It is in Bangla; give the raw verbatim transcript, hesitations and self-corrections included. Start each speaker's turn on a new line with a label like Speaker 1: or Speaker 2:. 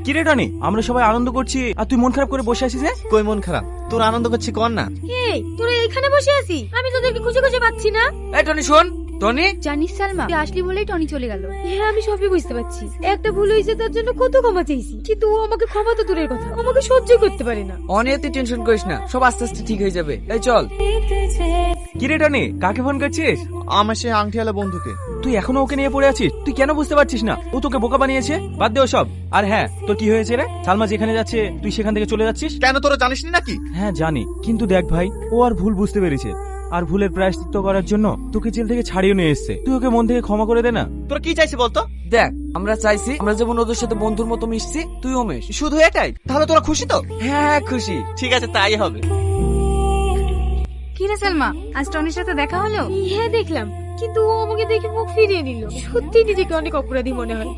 Speaker 1: কি রে টনি, আমরা সবাই আনন্দ করছি আর তুই মন খারাপ করে বসে আছিস?
Speaker 2: কই মন খারাপ, তোর আনন্দ করছি কর না।
Speaker 3: এই তোরা এখানে বসে আছিস, আমি তোদেরকে খুঁজে খুঁজে পাচ্ছি না।
Speaker 4: এই টনি শোন, টনি
Speaker 5: জানিস সালমা, তুই আসলি বলেই টনি চলে গেল।
Speaker 3: হ্যাঁ আমি সবই বুঝতে পারছি, একটা ভুল হয়েছে তার জন্য কত ক্ষমা চাইছি, কিন্তু ও আমাকে ক্ষমা তো দূরের কথা, আমাকে সহ্য করতে পারে না।
Speaker 4: অনেক তুই টেনশন করিস না, সব আস্তে আস্তে ঠিক হয়ে যাবে। এই চল।
Speaker 1: কি রে টনি, কাকে ফোন করছিস?
Speaker 2: আমার সেই আংটিওয়ালা বন্ধুকে।
Speaker 1: তুই এখনো ওকে নিয়ে পড়ে আছিস? তুই কেন বুঝতে পারছিস না ও তোকে বোকা বানিয়েছে? বাদ দে সব। আর হ্যাঁ, তোর কি হয়েছে রে? সালমা যেখানে যাচ্ছে তুই সেখান থেকে চলে যাচ্ছিস?
Speaker 2: কেন তোরা জানিস না নাকি?
Speaker 1: হ্যাঁ জানি, কিন্তু দেখ ভাই, ও আর ভুল বুঝতে পেরেছে, আর ভুলের প্রায়শ্চিত্ত করার জন্য তোকে জেল থেকে ছাড়িয়ে নিয়ে এসেছে। তুই ওকে মন থেকে ক্ষমা করে দে না।
Speaker 2: তোরা কি চাইছিস বলতো?
Speaker 4: দেখ, আমরা চাইছি আমরা যেমন ওদের সাথে বন্ধুর মতো মিশছি, তুইও মেশ।
Speaker 2: শুধু এটাই? তাহলে তোরা খুশি তো?
Speaker 4: হ্যাঁ খুশি।
Speaker 2: ঠিক আছে, তাই হবে।
Speaker 5: কি রে সালমা, আজ টনির সাথে দেখা হলো?
Speaker 3: হ্যাঁ দেখলাম, কিন্তু ও আমাকে দেখে মুখ ফিরিয়ে নিল। সত্যি নিজেকে অনেক অপরাধী মনে হয়।